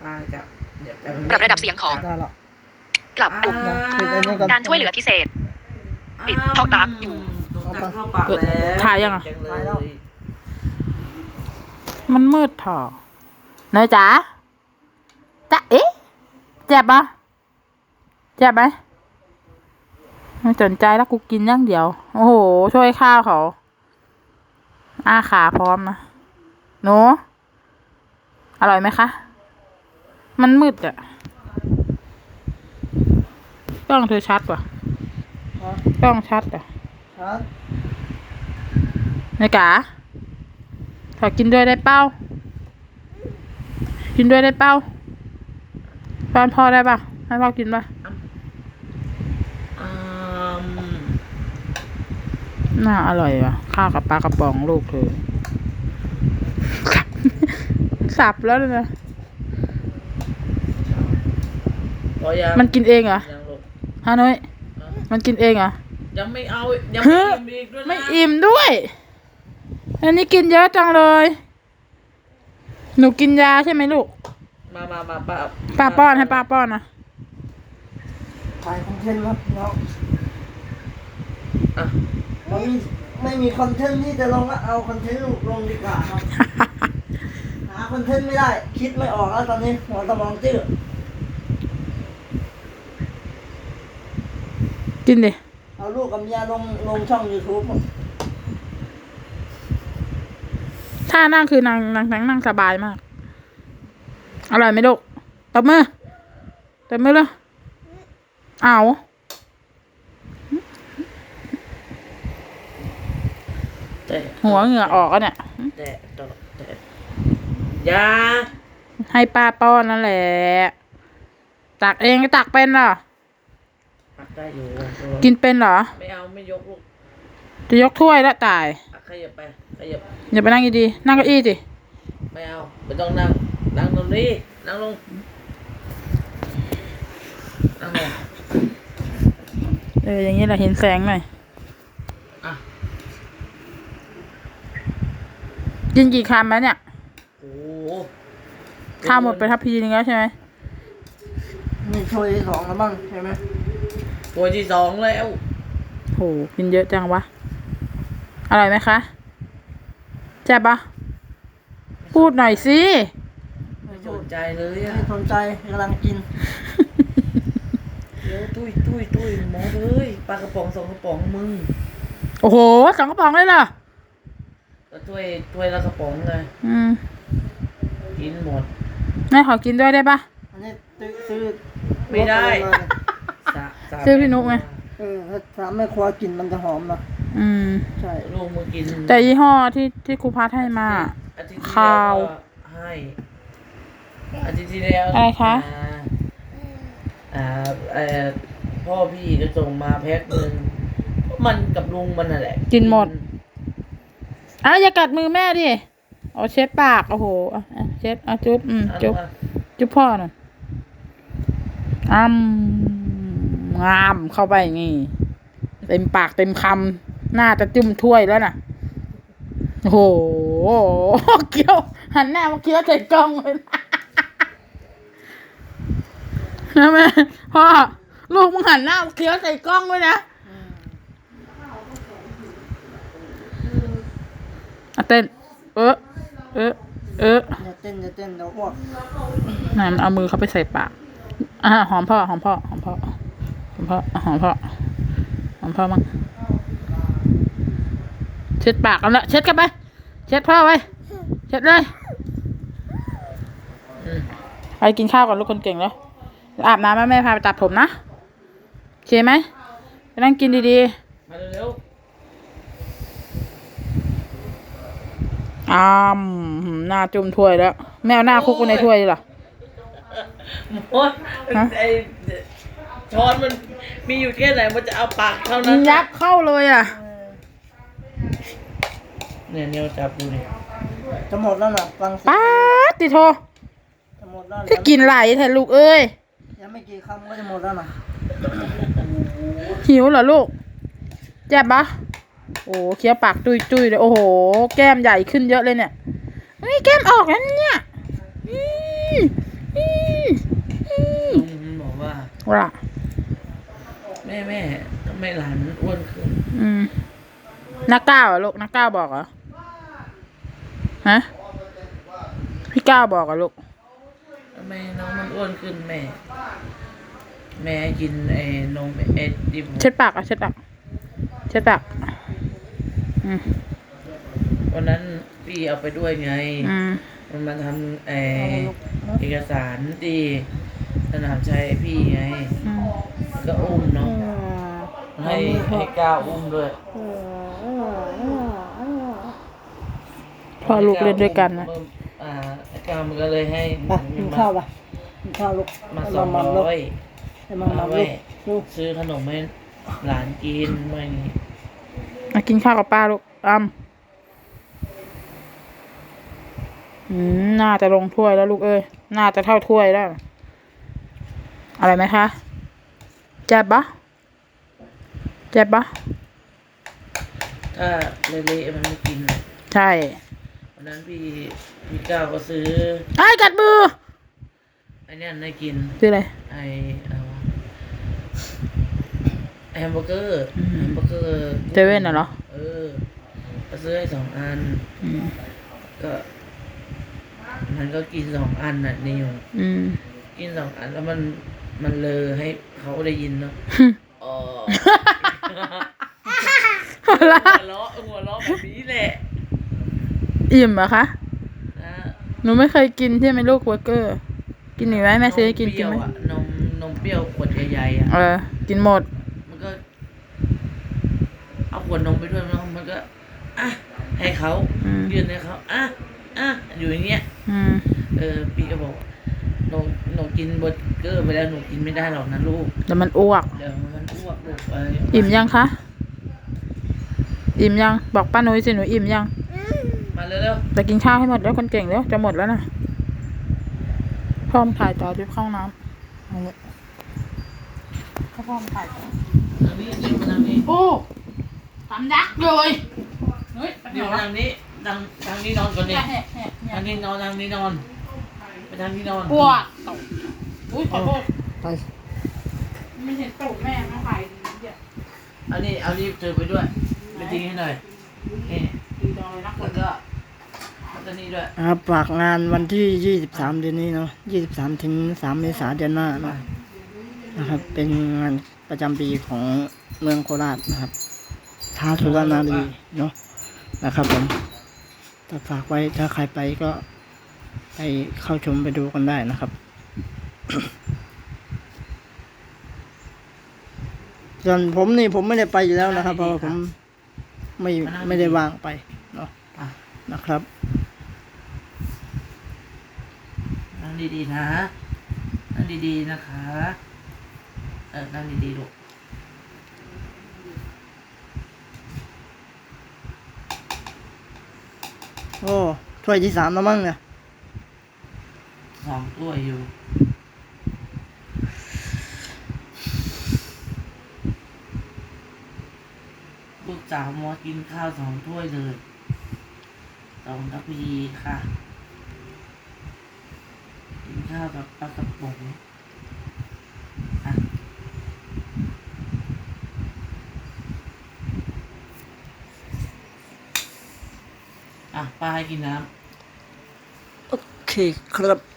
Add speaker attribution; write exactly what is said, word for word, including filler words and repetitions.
Speaker 1: ป้าจะเดี๋ยว
Speaker 2: ปรับระดับเสียงของกลับปุ่มการช่วยเหลือพิเศษปิดท่อตากอยู่
Speaker 3: ถ่ายยังอ่ะมันมืดถ่อเนยจ๋าจ๊ะเอ๊ะเจ็บปะเจ็บไหมไม่สนใจแล้วกูกินอย่างเดียวโอ้โหช่วยข้าวเขาอ้าขาพร้อมนะหนูอร่อยไหมคะมันมืดอะกล้องเธอชัดป่ะกล้องชัดอ่ะชัดนายกาขอกินด้วยได้เป้ากินด้วยได้เป้าป้อนพ่อได้ป่ะให้พ่อกินป่ะน่าอร่อยว่ะข้าวกับปลากระป๋องลูกเธอสับแล้วนะมันกินเองเหรอฮะน้อยมันกินเองเหรอ
Speaker 1: ยังไม่เอายังไม่อิ่มอีกด้วยนะ
Speaker 3: ไม่อิ่มด้วยอันนี้กินเยอะจังเลยหนูกินยาใช่ไหมลูก
Speaker 1: มามามาป้า
Speaker 3: ป้าป้อนให้ป้าป้อนนะ
Speaker 4: ถ่ายคอนเทนต์ครับเนาะอ่ะไม่มีไม่มีคอนเทนต์ที่จะลงแล้วเอาคอนเทนต์ลงดีกว่าครับหาคอนเทนต์ไม่ได้คิดไม่ออกแล้วตอนนี้หัวสมองจืด
Speaker 3: กินดิ
Speaker 4: เอาลูกกับเมียลงลงช่อง YouTube
Speaker 3: ท่านั่งคือนางนางนั่งสบายมากอร่อยไหมลูกตบมือตบมือเลยเอาหัวเหงื่อออกอ่ะเนี่ย
Speaker 1: แต่แต่ยา
Speaker 3: ให้ป้าป้อนนั่นแหละตักเองก็ตักเป็นเหรอ
Speaker 1: ตักได้อยู่
Speaker 3: กินเป็นเหรอ
Speaker 1: ไม่เอาไม่ยกลูก
Speaker 3: จะยกถ้วยแล้วตาย
Speaker 1: ขยับไปขยับ
Speaker 3: อย่าไปนั่งดีๆนั่งเก้าอี้สิ
Speaker 1: ไม่เอาไม่ต้องนั่งนั่งตรงนี้นั่งลงนั่งลง
Speaker 3: เอออย่างนี้แหละเห็นแสงหน่อย
Speaker 1: อ่ะ
Speaker 3: กินกี่คำแล้วเนี่ย
Speaker 1: โอ้
Speaker 3: ข้าวหมดไปทัพพีนึงแล้วใช่ไหม
Speaker 4: นี่ถ้วยที่สองแล้วบ้างใช่ไหม
Speaker 1: ถ้วยที่สองแล้ว
Speaker 3: โหกินเยอะจังวะอร่อยไหมคะแจ่บปะพูดหน่อยสิ
Speaker 1: ไม่สนใจเลยอ่ะ
Speaker 4: ไม่สนใจกำลังกิน
Speaker 1: เดี๋ยวตุ้ยตุ้ยตุ้ยหมอเลยปลากระป๋องสองกระป๋องมึง
Speaker 3: โอ้โหสองกระป๋องเลยเหรอ
Speaker 1: ก็ถ้วยถ้วยละกระป๋องเลย
Speaker 3: อืม
Speaker 1: กินหมด
Speaker 3: แม่ขอกินด้วยได้ปะ
Speaker 4: อันนี้ซื้อ
Speaker 1: ไม่ได้
Speaker 3: ซื้อพี่นุ๊กไง
Speaker 4: เออถ้าไม่ครัวกินมันจะหอมนะ
Speaker 3: อืม
Speaker 4: ใช่
Speaker 1: ลูกมือกิน
Speaker 3: แต่ยี่ห้อที่ที่ครูพัดให้มาข้าว
Speaker 1: ให้อาทิตย์ที่แล้ว
Speaker 3: อะไรคะ
Speaker 1: อ่าเอ่อพ่อพี่ก็ส่งมาแพ็คหนึ่งมันกับลุงมันน่ะแหละ
Speaker 3: กินหมดอ้าวอย่ากัดมือแม่ดิเอาเช็ดปากโอ้โหเช็ดเอาจุ๊บอืมจุ๊บจุ๊บพ่อหน่อยอ้ำงามเข้าไปงี้เต็มปากเต็มคำน่าจะจุ่มถ้วยแล้วน่ะโอ้โหเคี้ยวหันหน้ามาเคี้ยวใส่กล้องเลยนะแม่พ่อลูกมึงหันหน้ามาเคี้ยวใส่กล้องด้วยนะอ่ะเต้นเออเออเออ
Speaker 4: อย่าเต้นอย่าเต้นเดี๋ยวอ้วก
Speaker 3: นั่นเอามือเขาไปใส่ปากอ่ะหอมพ่อหอมพ่อหอมพ่อหอมพ่อหอมพ่อหอมพ่อมั้งเช็ดปากกันละเช็ดกันไปเช็ดพ่อไว้เช็ดเลยไปกินข้าวก่อนลูกคนเก่งแล้วอาบน้ำแม่แม่พาไปตัดผมนะโอเคไหมไปนั่งกินดี
Speaker 1: ๆมาเร็ว
Speaker 3: ๆอ้ามหน้าจุ่มถ้วยแล้วแมวหน้าคุกในถ้วยเหรอ
Speaker 1: โอ๊ยไอ้ช้อนมันมีอยู่แค่ไหนมันจะเอาปากเท่านั้น
Speaker 3: ยับเข้าเลยอ่ะ
Speaker 1: เนี่ยเนี่ยจับดูดิ
Speaker 4: จะหมดแล้วนะฟัง
Speaker 3: ป๊าติโท
Speaker 4: จะหมดแล้ว
Speaker 3: ถ้ากินไหลแทนลูกเอ้ย
Speaker 4: ยังไม่กี่คำก็จะหมดแล้วนะ
Speaker 3: หิวเหรอลูกแจ็บปะโอ้เคี้ยวปากจุยจุยเลยโอ้โหแก้มใหญ่ขึ้นเยอะเลยเนี่ยเฮ้ยแก้มออกแล้วเนี่ยอืมอืมว่า
Speaker 1: แม่แม่ทำไมหลานอ้วนขึ้น
Speaker 3: อืมนักก้าวเหรอลูกนักก้าวบอกเหรอฮะพี่ก้าวบอกเหรอลูก
Speaker 1: ทำไมน้องมันอ้วนขึ้นแม่ แม่กินไอ้นมไอ้ดิบ
Speaker 3: เช็ดปากอ่ะเช็ดปากเช็ดปากอืม
Speaker 1: วันนั้นพี่เอาไปด้วยไง
Speaker 3: อืม
Speaker 1: มันมาทำไอ้เอกสารที่สนามชัยพี่ไง
Speaker 3: อืม
Speaker 1: ก็อุ้มเนาะให้ให้ก้าวอุ้มด้วย
Speaker 3: พ่อลูกเล่นด้วยกันนะ
Speaker 1: อ่าไอ้ก้าวมันก็เลยให้
Speaker 4: ไปกินข้าวไปกินข้าวลูก
Speaker 1: มา
Speaker 4: ให้
Speaker 1: สอง
Speaker 4: มัมลูก
Speaker 1: ร้อย
Speaker 4: ให้มัมมั
Speaker 1: เอา
Speaker 4: ม
Speaker 1: ไว้
Speaker 4: ลูกลูก
Speaker 1: ซื้อขนมให้หลานกินไม่นี่
Speaker 3: มากินข้าวกับป้าลูกอ้ำอืมน่าจะลงถ้วยแล้วลูกเอ้ยน่าจะเท่าถ้วยแล้ว อะไรไหมคะเจ็บปะเจ็บปะ
Speaker 1: ถ้าเละๆมันไม่กิน
Speaker 3: ใช่
Speaker 1: วันนั้นพี่พี่ก้าวก็ซื้อ
Speaker 3: ไอ้กัดมือ
Speaker 1: ไอ้เนี่ยให้กิน
Speaker 3: คืออะไร
Speaker 1: ไอ้เอาแฮมเบอร์เกอร์
Speaker 3: อืม
Speaker 1: แฮมเบอร์เกอร์
Speaker 3: เซเว่นน่ะเหรอ
Speaker 1: เออก็ซื้อให้สองอัน
Speaker 3: อืม
Speaker 1: ก็ มันก็กินสองอันน่ะนิว
Speaker 3: อืม
Speaker 1: กินสองอันแล้วมันมันเลอให้เขาได้ยินเนาะอ๋อ
Speaker 3: หัวเราะ
Speaker 1: หัวเราะหัวเราะแบบนี้แหละ
Speaker 3: อิ่มเหรอคะ
Speaker 1: นะ
Speaker 3: หนูไม่เคยกินใช่ไหมลูกเบอร์เกอร์ กินหน่อยไหมแม่ซื้อให้กินกินไหม
Speaker 1: มเปรี้ยวอะนมนมเปรี้ยวขวดใหญ่ๆอ่ะ
Speaker 3: เออ กินหมด
Speaker 1: มันก็ เอาขวดนมไปด้วยมันมันก็อ่ะให้เขา
Speaker 3: อืม
Speaker 1: ยื่นให้เขาอ่ะอ่ะอยู่อย่างเงี้ย
Speaker 3: อืม
Speaker 1: เออพี่ก็บอกหนูหนูกินเบอร์เกอร์ไปแล้วหนูกินไม่ได้หรอกนะลูก
Speaker 3: แต่มันอ้วก
Speaker 1: เดี๋ยวมันอ้วกลูกไป
Speaker 3: อิ่มยังคะ อิ่มยัง บอกป้านุ้ยสิหนูอิ่มยัง
Speaker 1: มาเร็ว
Speaker 3: แต่กินข้าวให้หมดแล้วคนเก่งแล้วจะหมดแล้วนะพ่อมถ่ายต่อที่เข้าห้องน้ำเอาเลยให้พ่อมถ่ายต่อ
Speaker 1: ๆทางนี้นี่มาทางนี้
Speaker 3: โอ้ทำยักษ์เลยเฮ้ยไป
Speaker 1: นี่
Speaker 3: ไหน
Speaker 1: มา
Speaker 3: วะ
Speaker 1: ทางนี้ทางทางนี้นอนก่อนดิ
Speaker 3: แหะแหะแหะ
Speaker 1: ทางนี้นอนทางนี้นอนไปทางนี้นอน
Speaker 3: ปวดตกอุ้ยขอโทษ
Speaker 4: ไป
Speaker 3: ไม่เห็นตูดแม่มาถ่ายดีเดียว
Speaker 1: เอานี่เอานี่เจอไปด้วยไปทิ้งให้หน่อยนี่
Speaker 3: ดีจังเลยนะค
Speaker 1: แล้ว
Speaker 3: น
Speaker 1: ก็แล้วก็นี่ด้วย
Speaker 4: ครับฝากงานวันที่ยี่สิบสามเดือนนี้เนาะยี่สิบสามถึงสามเมษายนเดือนหน้าเนาะนะครับ เป็นงานประจำปีของเมืองโคราชนะครับท้าสุรนารีเนาะนะครับผมถ้าฝากไว้ถ้าใครไปก็ไปเข้าชมไปดูกันได้นะครับ ส่วนผมนี่ผมไม่ได้ไปอยู่แล้วนะครับ เพราะว่าผมไม่ไม่ได้วางไปเนาะ
Speaker 1: อ่ะ
Speaker 4: นะครับ
Speaker 1: นั่งดีๆนะนั่งดีๆนะคะเออนั่งดีๆลูก
Speaker 4: โอ้ถ้วยที่สามแล้วมั้งเนี่ย
Speaker 1: สองถ้วยอยู่ลูกสาวมอกินข้าวสองถ้วยเลยสองทัพพีค่ะกินข้าวกับปลากระป๋องอ่ะอ่ะป้าให้กินน้ำ
Speaker 4: โอเคครับ